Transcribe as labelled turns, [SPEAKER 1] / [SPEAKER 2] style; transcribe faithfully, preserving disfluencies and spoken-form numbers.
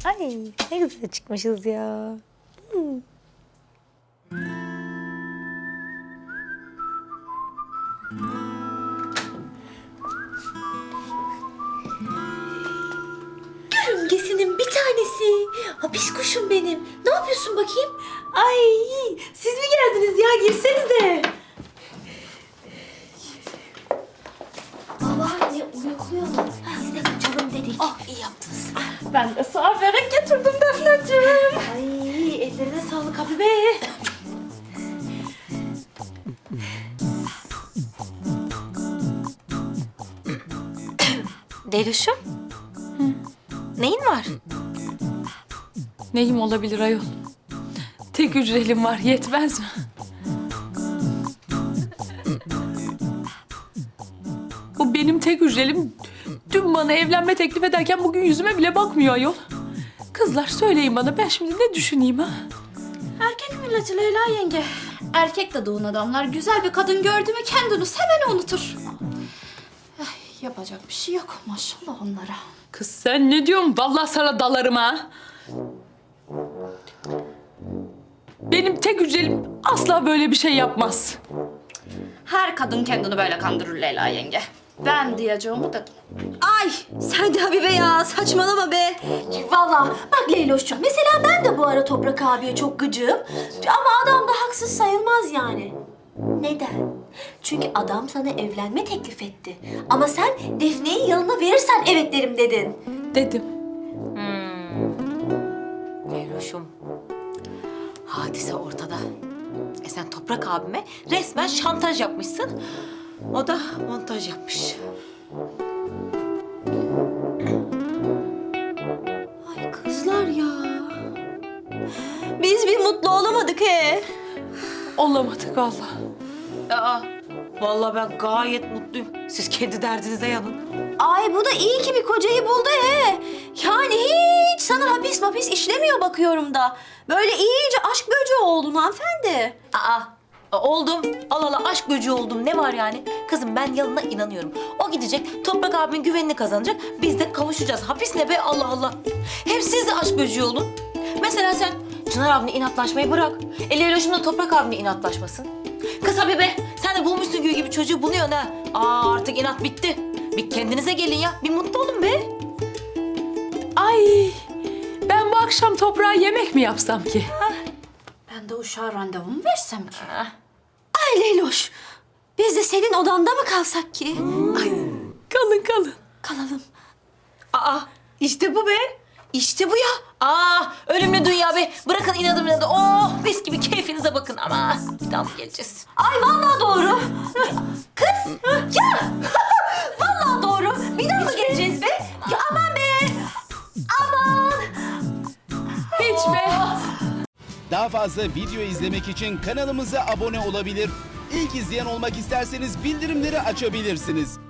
[SPEAKER 1] Ay ne güzel çıkmışız ya. Hmm.
[SPEAKER 2] Yörüngesinin bir tanesi. Hapis kuşum benim. Ne yapıyorsun bakayım?
[SPEAKER 1] Ay siz mi geldiniz ya? Girsenize.
[SPEAKER 2] Babaanne uyukluyorlar. Biz de kaçalım dedik.
[SPEAKER 1] Ah iyi yaptınız. Ben de sana börek getirdim Defneciğim.
[SPEAKER 2] Ay ellerine sağlık Habibe.
[SPEAKER 1] Deluşum. Neyin var?
[SPEAKER 3] Neyim olabilir ayol? Tek hücrelim var, yetmez mi? Bu benim tek hücrelim. Dün bana evlenme teklif ederken bugün yüzüme bile bakmıyor ayol. Kızlar söyleyin bana, ben şimdi ne düşüneyim ha?
[SPEAKER 2] Erkek milleti Leyla yenge. Erkek de doğun adamlar güzel bir kadın gördü mü kendini hemen unutur. Ay, yapacak bir şey yok maşallah onlara.
[SPEAKER 3] Kız sen ne diyorsun? Vallahi sana dalarım ha. Benim tek hücrelim asla böyle bir şey yapmaz.
[SPEAKER 2] Her kadın kendini böyle kandırır Leyla yenge. Ben diyeceğimi dedim.
[SPEAKER 4] Ay sen de Habibe ya saçmalama be. Vallahi bak Leyloş'cum mesela ben de bu ara Toprak abiye çok gıcığım. Ama adam da haksız sayılmaz yani. Neden? Çünkü adam sana evlenme teklif etti. Ama sen Defne'yi yanına verirsen evet derim dedin.
[SPEAKER 3] Dedim.
[SPEAKER 1] Leyloşum. Hadise ortada. E sen Toprak abime resmen şantaj yapmışsın. O da montaj yapmış.
[SPEAKER 4] Ay kızlar ya. Biz bir mutlu olamadık he.
[SPEAKER 3] Olamadık vallahi.
[SPEAKER 1] Aa, vallahi ben gayet mutluyum. Siz kendi derdinize yanın.
[SPEAKER 4] Ay bu da iyi ki bir kocayı buldu he. Yani hiç sana hapis mapis işlemiyor bakıyorum da. Böyle iyice aşk böceği oldun hanımefendi.
[SPEAKER 1] Aa, oldum. Allah Allah aşk böceği oldum. Ne var yani? Kızım ben Yalın'a inanıyorum. O gidecek, Toprak abimin güvenini kazanacak. Biz de kavuşacağız. Hapis ne be Allah Allah. Hem siz de aşk böceği olun. Mesela sen Çınar abine inatlaşmayı bırak. El Eloş'umla Toprak abine inatlaşmasın. Kız Habibe, sen de bulmuşsun gül gibi çocuğu buluyorsun ha. Aa artık inat bitti. Bir kendinize gelin ya. Bir mutlu olun be.
[SPEAKER 3] Ay, ben bu akşam toprağa yemek mi yapsam ki?
[SPEAKER 2] Ben de uşağa randevumu versem ki.
[SPEAKER 4] Ay Leyloş. Biz de senin odanda mı kalsak ki?
[SPEAKER 3] Kalın kalın.
[SPEAKER 4] Kalalım.
[SPEAKER 1] Aa işte bu be. İşte bu ya. Aa ölümlü dünya be. Bırakın inadım inadı. Oh mis gibi keyfinize bakın ama. Bir daha mı geleceğiz?
[SPEAKER 4] Ay vallahi doğru. Kız ya. Vallahi doğru. Bir daha mı geleceğiz be? Ya aman be. Aman.
[SPEAKER 3] Hiç be.
[SPEAKER 5] Daha fazla video izlemek için kanalımıza abone olabilir. İlk izleyen olmak isterseniz bildirimleri açabilirsiniz.